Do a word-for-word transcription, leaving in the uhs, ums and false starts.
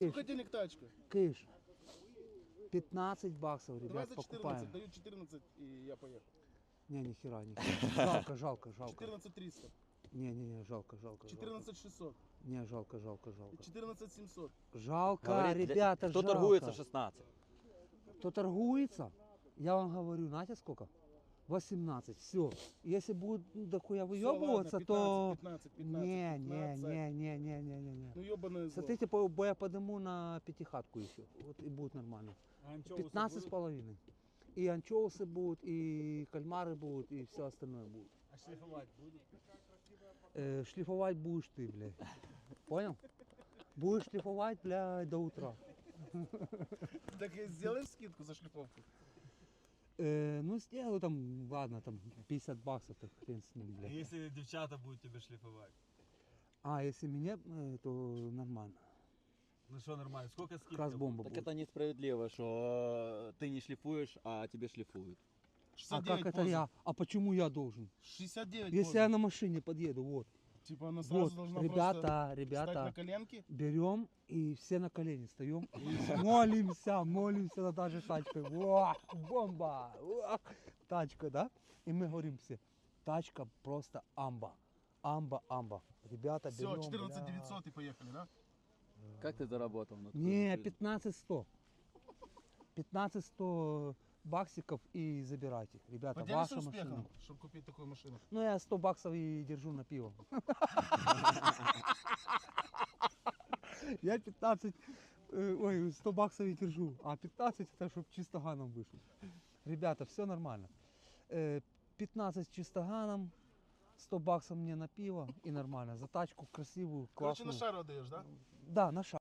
Сколько денег тачка? Кыш. пятнадцать баксов, Давай ребят, за покупаем. четырнадцать, даю четырнадцать и я поехал. Не, ни хера, ни хера. Жалко, жалко, жалко. четырнадцать триста, Не, не, не, жалко, жалко. четырнадцать шестьсот, Не, жалко, жалко, жалко. четырнадцать семьсот. Жалко, Говорит, для- ребята, кто жалко. торгуется шестнадцать? Кто торгуется, я вам говорю, знаете сколько? восемнадцать, все. Если будет ну, дохуя выебываться, то... пятнадцать, пятнадцать, Не, не, пятнадцать. не, не, не, не, не, не. Ну ебаное зло. Смотрите, по- бо я подниму на пятихатку еще. Вот и будет нормально. пятнадцать с половиной. И анчоусы будут, и кальмары будут, и все остальное будет. А шлифовать будет? Э, шлифовать будешь ты, блядь. Понял? Будешь шлифовать, блядь, до утра. Так и сделаем скидку за шлифовку. Э, ну, сделаю там, ладно, там пятьдесят баксов, так хрен с ним, А блядь. если девчата будут тебя шлифовать? А, если меня, э, то нормально. Ну что, нормально, сколько скидка? Как раз бомба Так будет. это несправедливо, что ты не шлифуешь, а тебе шлифуют. А шестьдесят как девять это позы. я? А почему я должен? шестьдесят девять Если позы. я на машине подъеду, вот. Типа она сразу Вот, должна ребята, просто встать на ребята, коленки. берем и все на колени встаем. Молимся, молимся над нашей тачкой. Во, бомба! Во, тачка, да? И мы говорим все, тачка просто амба. Амба, амба. Ребята, Все, берем. четырнадцать бля. девятьсот и поехали, да? Как ты заработал на такую Не, машину? пятнадцать сто. пятнадцать сто баксиков и забирайте. Ребята, Поделишься ваша успехом, машина. чтобы купить такую машину. Ну, я сто баксов и держу на пиво. Я пятнадцать, э, ой, сто баксов и держу, а пятнадцать это чтобы чистоганом вышел. Ребята, все нормально. Э, пятнадцать чистоганом, сто баксов мне на пиво и нормально. За тачку красивую, Короче, классную. на шару отдаешь, да? Да, на шаг.